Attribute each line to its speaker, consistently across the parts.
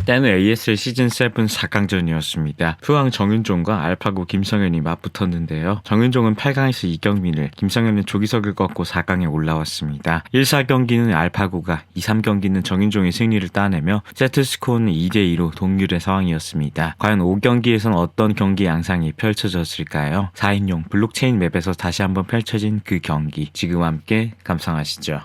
Speaker 1: 때는 ASL 시즌7 4강전이었습니다. 푸왕 정윤종과 알파고 김성현이 맞붙었는데요. 정윤종은 8강에서 이경민을, 김성현은 조기석을 꺾고 4강에 올라왔습니다. 1, 4경기는 알파고가, 2, 3경기는 정윤종의 승리를 따내며 세트스코어는 2대2로 동률의 상황이었습니다. 과연 5경기에선 어떤 경기 양상이 펼쳐졌을까요? 4인용 블록체인 맵에서 다시 한번 펼쳐진 그 경기, 지금 함께 감상하시죠.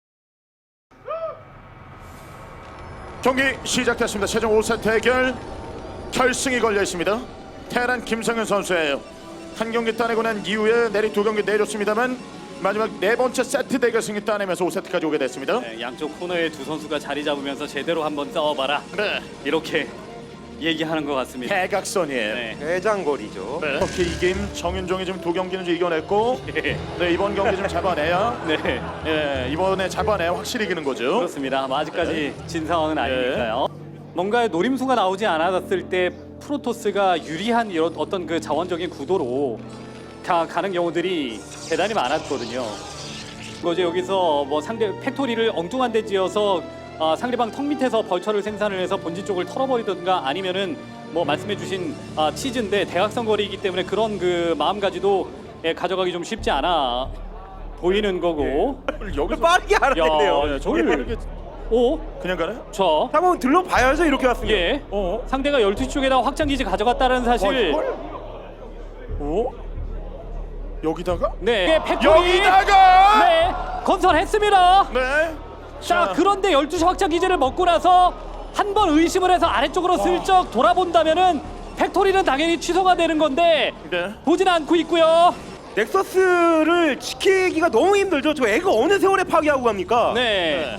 Speaker 2: 경기 시작됐습니다. 최종 5세트 대결 결승이 걸려 있습니다. 테란 김성현 선수예요. 한 경기 따내고 난 이후에 내리 두 경기 내줬습니다만 마지막 네 번째 세트 대결 승리 따내면서 5세트까지 오게 됐습니다.
Speaker 3: 네, 양쪽 코너에 두 선수가 자리 잡으면서 제대로 한번 싸워봐라.
Speaker 2: 네.
Speaker 3: 이렇게 얘기하는 것 같습니다.
Speaker 2: 대각선이에요.
Speaker 3: 네.
Speaker 4: 대장거리죠.
Speaker 2: 네. 이렇게 이김 정윤종이 지금 두 경기는 좀 이겨냈고 네, 이번 경기 좀 잡아내야
Speaker 3: 네,
Speaker 2: 예, 이번에 잡아내야 확실히 이기는 거죠.
Speaker 3: 그렇습니다. 아직까지 진 상황은 아니니까요. 뭔가 노림수가 나오지 않았을 때 프로토스가 유리한 이런 어떤 그 자원적인 구도로 가는 경우들이 대단히 많았거든요. 이제 여기서 뭐 상대 팩토리를 엉뚱한 데 지어서 상대방 턱 밑에서 벌처를 생산을 해서 본진 쪽을 털어버리든가 아니면은 뭐 말씀해주신 치즈인데 대각선 거리이기 때문에 그런 그 마음가지도 가져가기 좀 쉽지 않아 보이는 거고.
Speaker 2: 여기서
Speaker 4: 빠르게 알아냈네요.
Speaker 2: 예, 저를
Speaker 3: 오,
Speaker 2: 그냥 가나요?
Speaker 3: 저
Speaker 4: 한번 들러봐야죠. 이렇게 왔으면.
Speaker 3: 예. 상대가 12쪽에다 확장기지 가져갔다는 사실.
Speaker 2: 오? 여기다가?
Speaker 3: 네. 팩토리.
Speaker 2: 여기다가!
Speaker 3: 네. 건설했습니다.
Speaker 2: 네.
Speaker 3: 자, 그런데 12시 확장 기지를 먹고 나서 한 번 의심을 해서 아래쪽으로 슬쩍 돌아본다면은 팩토리는 당연히 취소가 되는 건데
Speaker 2: 네.
Speaker 3: 보진 않고 있고요.
Speaker 4: 넥서스를 지키기가 너무 힘들죠. 저 애가 어느 세월에 파괴하고 갑니까?
Speaker 3: 네.
Speaker 2: 네.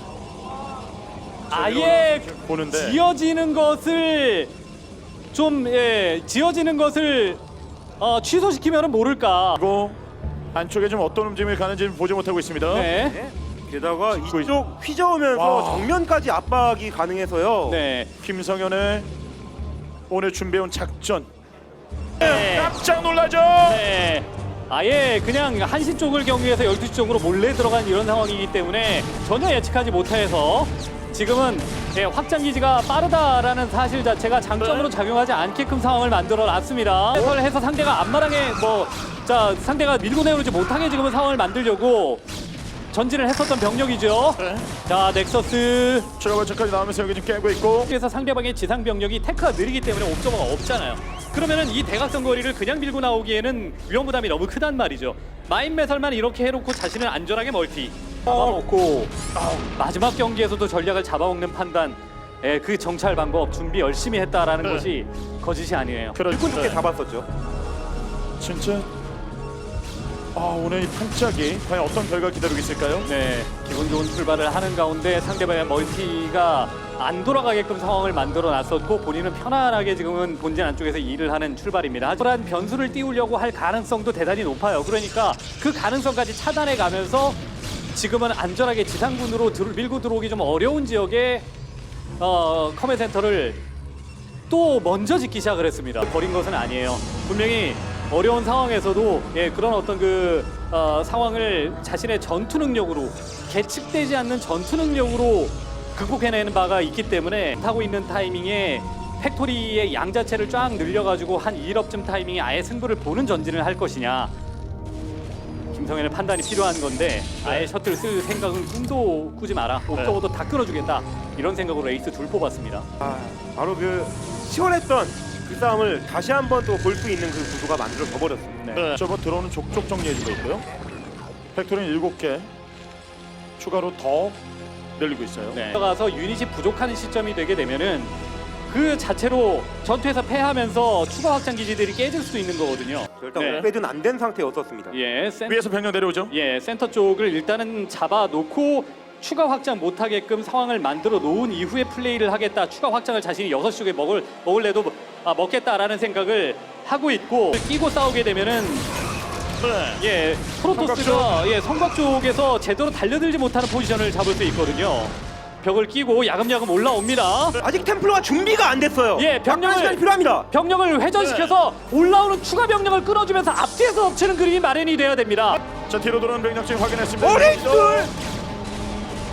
Speaker 3: 아예
Speaker 2: 보는데.
Speaker 3: 지어지는 것을 좀 지어지는 것을 취소시키면은 모를까.
Speaker 2: 그리고 안쪽에 좀 어떤 움직임이 가는지 보지 못하고 있습니다.
Speaker 3: 네.
Speaker 4: 네. 게다가
Speaker 2: 이거-
Speaker 4: 이쪽 휘저으면서
Speaker 2: 와.
Speaker 4: 정면까지 압박이 가능해서요.
Speaker 3: 네.
Speaker 2: 김성현의 오늘 준비해온 작전.
Speaker 3: 네.
Speaker 2: 깜짝 놀라죠.
Speaker 3: 네. 아예 그냥 1시 쪽을 경유해서 12시 쪽으로 몰래 들어간 이런 상황이기 때문에 전혀 예측하지 못해서 지금은 확장기지가 빠르다라는 사실 자체가 장점으로
Speaker 2: 네.
Speaker 3: 작용하지 않게끔 상황을 만들어 놨습니다. 그걸 해서 상대가 앞마당에 상대가 밀고 내려오지 못하게 지금은 상황을 만들려고 전진을 했었던 병력이죠.
Speaker 2: 네.
Speaker 3: 자, 넥서스.
Speaker 2: 추가 발전까지 나오면서 여기 지금 깨고 있고.
Speaker 3: 그래서 상대방의 지상 병력이 테크가 느리기 때문에 옵저버가 없잖아요. 그러면은 이 대각선 거리를 그냥 밀고 나오기에는 위험 부담이 너무 크단 말이죠. 마인 매설만 이렇게 해놓고 자신은 안전하게 멀티 잡아먹고 마지막 경기에서도 전략을 잡아먹는 판단, 그 정찰 방법 준비 열심히 했다라는
Speaker 2: 네.
Speaker 3: 것이 거짓이 아니에요.
Speaker 4: 일꾼 좋게 잡았었죠.
Speaker 2: 진짜. 오늘 이 판짝이 과연 어떤 결과 기다리고 있을까요?
Speaker 3: 네, 기분 좋은 출발을 하는 가운데 상대방의 멀티가 안 돌아가게끔 상황을 만들어 놨었고 본인은 편안하게 지금은 본진 안쪽에서 일을 하는 출발입니다. 하지만 변수를 띄우려고 할 가능성도 대단히 높아요. 그러니까 그 가능성까지 차단해 가면서 지금은 안전하게 지상군으로 밀고 들어오기 좀 어려운 지역에 커맨 센터를 또 먼저 짓기 시작을 했습니다. 버린 것은 아니에요. 분명히 어려운 상황에서도 그런 어떤 상황을 자신의 전투 능력으로 계측되지 않는 전투 능력으로 극복해내는 바가 있기 때문에 하고 있는 타이밍에 팩토리의 양 자체를 쫙 늘려가지고 한 2일업쯤 타이밍에 아예 승부를 보는 전진을 할 것이냐, 김성현의 판단이 필요한 건데 아예 셔틀 쓸 생각은 꿈도 꾸지 마라. 옥저버도 다 끊어주겠다. 이런 생각으로 에이스 둘 뽑았습니다.
Speaker 4: 바로 그 시원했던 그 싸움을 다시 한번 또 볼 수 있는 그 구도가 만들어져 버렸습니다.
Speaker 2: 네. 저거 들어오는 족족 정리해주고 있고요. 팩토리는 7개 추가로 더 늘리고 있어요.
Speaker 3: 네. 들어가서 유닛이 부족한 시점이 되게 되면은 그 자체로 전투에서 패하면서 추가 확장 기지들이 깨질 수 있는 거거든요.
Speaker 4: 일단
Speaker 3: 네.
Speaker 4: 업그레이드는 안 된 상태였었습니다.
Speaker 2: 위에서 병력 내려오죠.
Speaker 3: 센터 쪽을 일단은 잡아놓고 추가 확장 못하게끔 상황을 만들어 놓은 이후에 플레이를 하겠다. 추가 확장을 자신이 6시 쪽에 먹을래도 먹겠다라는 생각을 하고 있고, 끼고 싸우게 되면은
Speaker 2: 네.
Speaker 3: 프로토스가 성곽 쪽에서 제대로 달려들지 못하는 포지션을 잡을 수 있거든요. 벽을 끼고 야금야금 올라옵니다.
Speaker 4: 아직 템플러가 준비가 안 됐어요. 약간의 시간이 필요합니다.
Speaker 3: 병력을 회전시켜서 올라오는 추가 병력을 끌어주면서 앞뒤에서 덮치는 그림이 마련이 돼야 됩니다.
Speaker 2: 자, 뒤로 돌아오는 병력 지금 확인했습니다.
Speaker 4: 어레이스!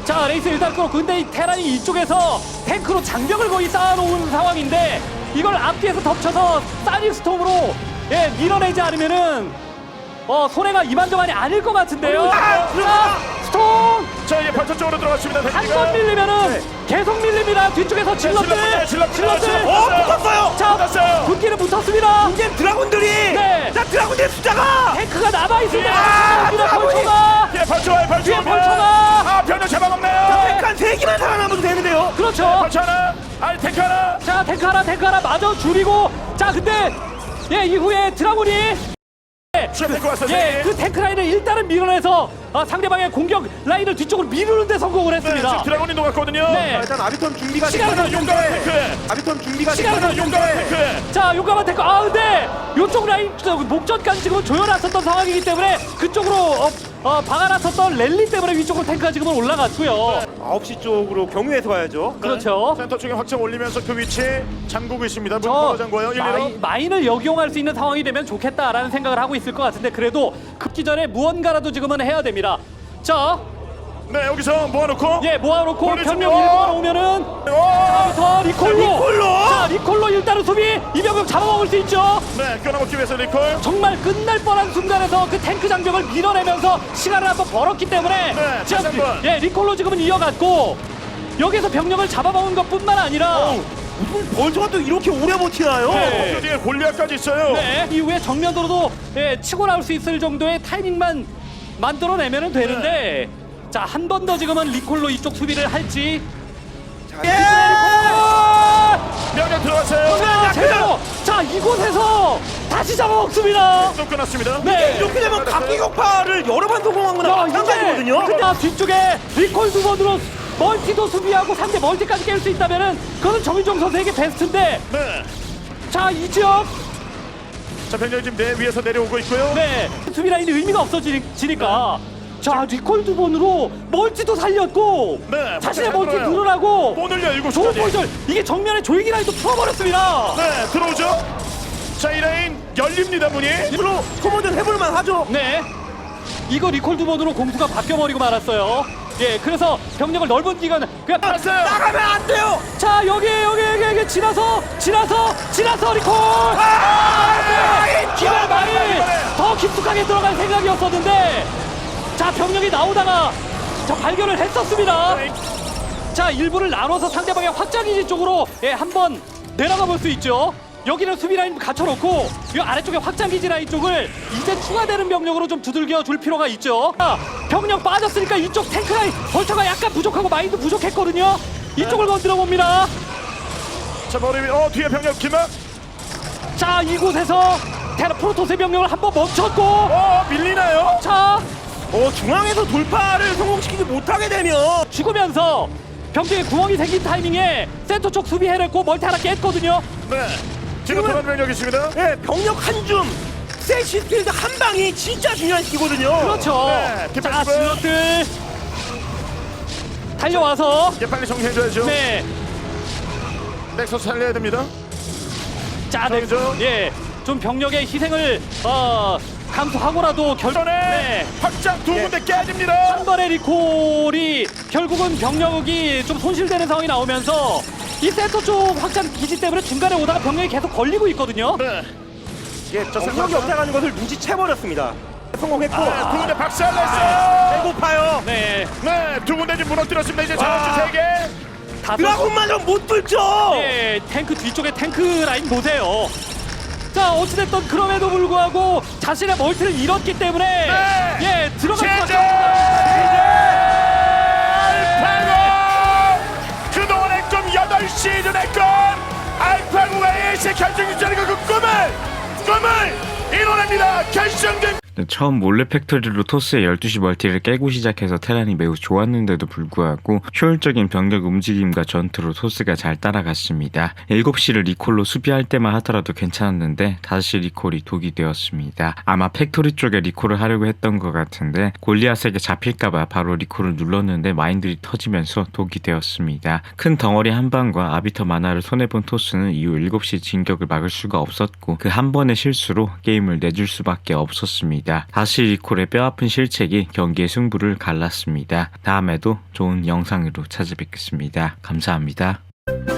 Speaker 3: 자, 레이스 일단 끌었고, 근데 이 테란이 이쪽에서 탱크로 장벽을 거의 쌓아놓은 상황인데 이걸 앞뒤에서 덮쳐서 사닉 스톰으로 예, 밀어내지 않으면은 손해가 이만저만이 아닐 것 같은데요. 자, 스톰
Speaker 2: 자, 이제 발전 쪽으로 들어갔습니다.
Speaker 3: 한 번 밀리면은 계속 밀립니다. 뒤쪽에서 질럿들,
Speaker 4: 붙었어요.
Speaker 3: 자,
Speaker 2: 붙었어요.
Speaker 3: 붙기는 붙었습니다.
Speaker 4: 이제 드라군들이
Speaker 3: 네.
Speaker 4: 자 드라군들의 숫자가
Speaker 3: 탱크가 남아 있을 때
Speaker 4: 드라군이!
Speaker 3: 벌초가
Speaker 2: 예, 발전, 발전.
Speaker 3: 뒤에 벌초가
Speaker 2: 아, 변형 잡아먹네요.
Speaker 4: 탱크 한 3개만 살아남아도 되는데요.
Speaker 3: 그렇죠.
Speaker 2: 발전 하나, 아니 탱크 하나.
Speaker 3: 자, 탱크 하나 마저 줄이고, 자, 근데 예, 이후에 드라군이
Speaker 2: 추가 탱크 왔어요.
Speaker 3: 예, 그 탱크 라인을 일단은 밀어내서 상대방의 공격 라인을 뒤쪽으로 미루는 데 성공을
Speaker 2: 네,
Speaker 3: 했습니다.
Speaker 2: 지금 드라곤이 녹았거든요.
Speaker 3: 네.
Speaker 4: 일단 아비턴 준비가
Speaker 3: 시간을
Speaker 4: 됐는데
Speaker 2: 용감한 탱크.
Speaker 4: 아비턴 준비가
Speaker 3: 시간을
Speaker 4: 됐는데
Speaker 2: 용감한 탱크.
Speaker 3: 자, 용감한 탱크. 아, 근데 요쪽 라인 목전까지 지금 조여놨었던 상황이기 때문에 그쪽으로 박아놨었던 랠리 때문에 위쪽으로 탱크가 지금은 올라갔고요.
Speaker 4: 9시 쪽으로 경유해서 가야죠.
Speaker 3: 그렇죠.
Speaker 2: 센터 쪽에 확장 올리면서 그 위치 잠그고 있습니다. 문
Speaker 3: 저
Speaker 2: 걸어 잠궈요. 1, 2로.
Speaker 3: 마인을 역이용할 수 있는 상황이 되면 좋겠다라는 생각을 하고 있을 것 같은데 그래도 급기 전에 무언가라도 지금은 해야 됩니다. 자,
Speaker 2: 네, 여기서 모아놓고.
Speaker 3: 예, 모아놓고
Speaker 2: 올리죠.
Speaker 3: 병력 일부러 오면은
Speaker 2: 오!
Speaker 3: 더 리콜로.
Speaker 4: 리콜로!
Speaker 3: 자, 리콜로 일단은 수비 이병력 잡아먹을 수 있죠.
Speaker 2: 네, 끊어먹기 위해서 리콜.
Speaker 3: 정말 끝날 뻔한 순간에서 그 탱크 장벽을 밀어내면서 시간을 한번 벌었기 때문에
Speaker 2: 네,
Speaker 3: 지금
Speaker 2: 다시 한 번.
Speaker 3: 예, 리콜로 지금은 이어갔고 여기서 병력을 잡아먹은 것뿐만 아니라
Speaker 4: 무슨 벌처가 또 이렇게 오래 버티나요?
Speaker 3: 네.
Speaker 2: 그 뒤에 골리앗까지 있어요.
Speaker 3: 네, 이후에 정면으로도 예, 치고 나올 수 있을 정도의 타이밍만 만들어내면 되는데 자, 한 번 더 지금은 리콜로 이쪽 수비를 할지.
Speaker 2: 명령 들어갔어요.
Speaker 3: 자, 제대로. 자, 이곳에서 다시 잡아먹습니다.
Speaker 2: 또 끊었습니다.
Speaker 3: 네.
Speaker 4: 이렇게 되면 각기 격파를 여러 번 성공한 거나 마찬가지거든요.
Speaker 3: 근데 뒤쪽에 리콜 두 번으로 멀티도 수비하고 상대 멀티까지 깰 수 있다면은 그거는 정윤종 선수에게 베스트인데
Speaker 2: 네.
Speaker 3: 자, 이 지역
Speaker 2: 자, 병력이 지금 내 위에서 내려오고 있고요.
Speaker 3: 네 수비 라인이 의미가 없어지니까 자, 리콜 두 번으로 멀티도 살렸고
Speaker 2: 네,
Speaker 3: 자신의
Speaker 2: 잘
Speaker 3: 멀티
Speaker 2: 들어요.
Speaker 3: 늘어나고
Speaker 2: 못 올려
Speaker 3: 좋은
Speaker 2: 7시까지.
Speaker 3: 포지션 이게 정면에 조이기 라인도 풀어버렸습니다.
Speaker 2: 네, 들어오죠. 자, 이 라인 열립니다, 문이.
Speaker 4: 이걸로 소모전 해볼만 하죠.
Speaker 3: 네, 이거 리콜 두 번으로 공수가 바뀌어버리고 말았어요. 예, 그래서 병력을 넓은 기간 그냥
Speaker 2: 알았어요.
Speaker 4: 나가면 안 돼요.
Speaker 3: 자, 여기 지나서 리콜. 기발 많이 더 깊숙하게 들어갈 생각이었었는데 자, 병력이 나오다가 저 발견을 했었습니다. 자, 일부를 나눠서 상대방의 확장기지 쪽으로 예, 한번 내려가 볼 수 있죠. 여기는 수비 라인 갖춰놓고 이 아래쪽에 확장기지 라인 쪽을 이제 추가되는 병력으로 좀 두들겨 줄 필요가 있죠. 자, 병력 빠졌으니까 이쪽 탱크 라인 벌처가 약간 부족하고 마인드 부족했거든요. 이쪽을 건드려 봅니다.
Speaker 2: 자, 머리 위. 뒤에 병력 기막.
Speaker 3: 자, 이곳에서 테라 프로토스의 병력을 한번 멈췄고
Speaker 2: 밀리나요?
Speaker 3: 자,
Speaker 4: 중앙에서 돌파를 성공시키지 못하게 되면
Speaker 3: 죽으면서 병력에 구멍이 생긴 타이밍에 센터 쪽 수비해냈고 멀티 하나 깼거든요.
Speaker 2: 네. 지금
Speaker 4: 지금은-
Speaker 2: 도란 병력 있습니다.
Speaker 4: 예, 병력 한 줌, 세시스필드 한 방이 진짜 중요한 시기거든요.
Speaker 3: 그렇죠.
Speaker 2: 네,
Speaker 3: 자,
Speaker 2: 디펜시브.
Speaker 3: 질럿들 달려와서
Speaker 2: 이제 빨리 정리해줘야죠.
Speaker 3: 네.
Speaker 2: 넥서스 살려야 됩니다.
Speaker 3: 자, 네.
Speaker 2: 저기죠.
Speaker 3: 예. 좀 병력의 희생을 감수하고라도
Speaker 2: 전에
Speaker 3: 네.
Speaker 2: 확장 두 군데 깨집니다.
Speaker 3: 한 번의 리콜이 결국은 병력이 좀 손실되는 상황이 나오면서 이 센터 쪽 확장 기지 때문에 중간에 오다가 병력이 계속 걸리고 있거든요.
Speaker 2: 네.
Speaker 4: 예, 병력이 없다가는 것을 눈치채버렸습니다. 성공했고
Speaker 2: 두 군데 박살냈어요.
Speaker 4: 배고파요.
Speaker 3: 네.
Speaker 2: 네, 두 군데 지금 무너뜨렸습니다. 이제 자원주 3개.
Speaker 3: 다섯
Speaker 4: 드라곤마저 못 뚫죠.
Speaker 3: 예, 탱크 뒤쪽에 탱크 라인 보세요. 자, 어찌됐든 그럼에도 불구하고 자신의 멀티를 잃었기 때문에
Speaker 2: 네.
Speaker 3: 예, 들어갈 수
Speaker 2: 제재! 알파고! 그동안 액점 8시즌 액점! 알파고가 AS 결정전이고 그 꿈을 이뤄냅니다. 결정된
Speaker 1: 처음 몰래 팩토리로 토스의 12시 멀티를 깨고 시작해서 테란이 매우 좋았는데도 불구하고 효율적인 병력 움직임과 전투로 토스가 잘 따라갔습니다. 7시를 리콜로 수비할 때만 하더라도 괜찮았는데 다시 리콜이 독이 되었습니다. 아마 팩토리 쪽에 리콜을 하려고 했던 것 같은데 골리앗에게 잡힐까봐 바로 리콜을 눌렀는데 마인들이 터지면서 독이 되었습니다. 큰 덩어리 한 방과 아비터 만화를 손해본 토스는 이후 7시 진격을 막을 수가 없었고 그 한 번의 실수로 게임을 내줄 수밖에 없었습니다. 있었습니다. 다시 리콜의 뼈아픈 실책이 경기의 승부를 갈랐습니다. 다음에도 좋은 영상으로 찾아뵙겠습니다. 감사합니다.